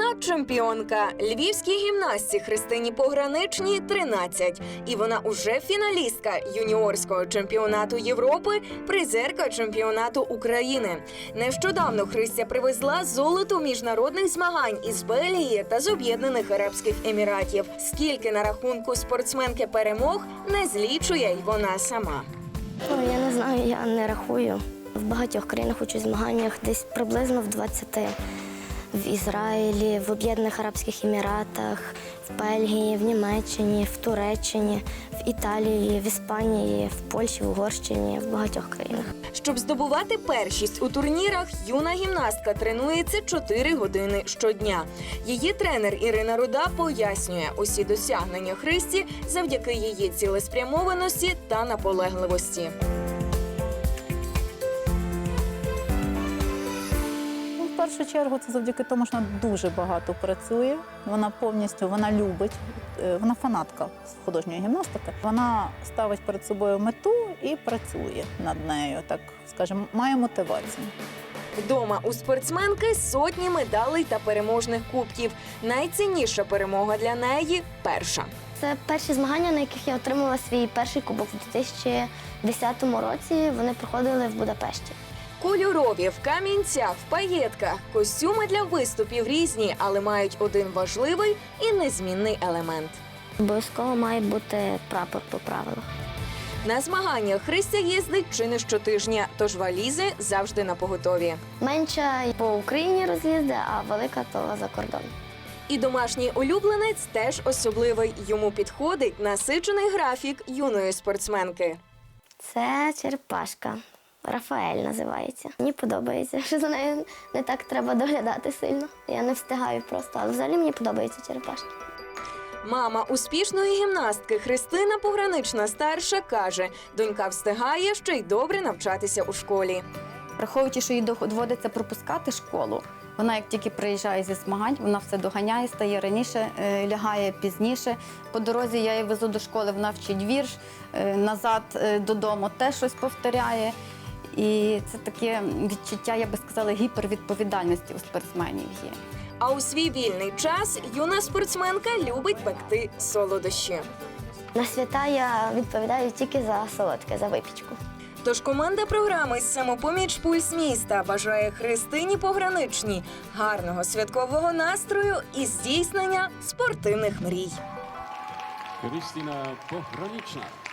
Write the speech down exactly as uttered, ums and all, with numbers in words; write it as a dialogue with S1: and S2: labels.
S1: чемпіонка. Львівській гімнастці Христині Пограничній тринадцять. І вона уже фіналістка юніорського чемпіонату Європи, призерка чемпіонату України. Нещодавно Христя привезла золото міжнародних змагань із Бельгії та з Об'єднаних Арабських Еміратів. Скільки на рахунку спортсменки перемог, не злічує й вона сама.
S2: Ну, я не знаю, я не рахую. В багатьох країнах участь в змаганнях, десь приблизно в двадцяти. В Ізраїлі, в Об'єднаних Арабських Еміратах, в Бельгії, в Німеччині, в Туреччині, в Італії, в Іспанії, в Польщі, в Угорщині, в багатьох країнах.
S1: Щоб здобувати першість у турнірах, юна гімнастка тренується чотири години щодня. Її тренер Ірина Руда пояснює, усі досягнення Христі завдяки її цілеспрямованості та наполегливості.
S3: В першу чергу це завдяки тому, що вона дуже багато працює, вона повністю, вона любить, вона фанатка з художньої гімнастики. Вона ставить перед собою мету і працює над нею, так скажімо, має мотивацію.
S1: Вдома у спортсменки сотні медалей та переможних кубків. Найцінніша перемога для неї – перша.
S2: Це перші змагання, на яких я отримала свій перший кубок у дві тисячі десятому році. Вони проходили в Будапешті.
S1: Кольорові, в камінцях, в паєтках. Костюми для виступів різні, але мають один важливий і незмінний елемент.
S2: Обов'язково має бути прапор по правилах.
S1: На змаганнях Христя їздить чи не щотижня, тож валізи завжди напоготові.
S2: Менша по Україні роз'їзди, а велика то за кордон.
S1: І домашній улюбленець теж особливий. Йому підходить насичений графік юної спортсменки.
S2: Це черепашка. Рафаель називається. Мені подобається, що за нею не так треба доглядати сильно. Я не встигаю просто, але взагалі мені подобається черепашка.
S1: Мама успішної гімнастки Христина Погранична-старша каже, донька встигає ще й добре навчатися у школі.
S4: Враховуючи, що їй доводиться пропускати школу, вона як тільки приїжджає зі змагань, вона все доганяє, стає раніше, е, лягає пізніше. По дорозі я її везу до школи, вона вчить вірш, е, назад е, додому теж щось повторяє. І це таке відчуття, я би сказала, гіпервідповідальності у спортсменів є.
S1: А у свій вільний час юна спортсменка любить пекти солодощі.
S2: На свята я відповідаю тільки за солодке, за випічку.
S1: Тож команда програми «Самопоміч Пульс міста» бажає Христині Пограничній гарного святкового настрою і здійснення спортивних мрій.
S5: Христина Погранична.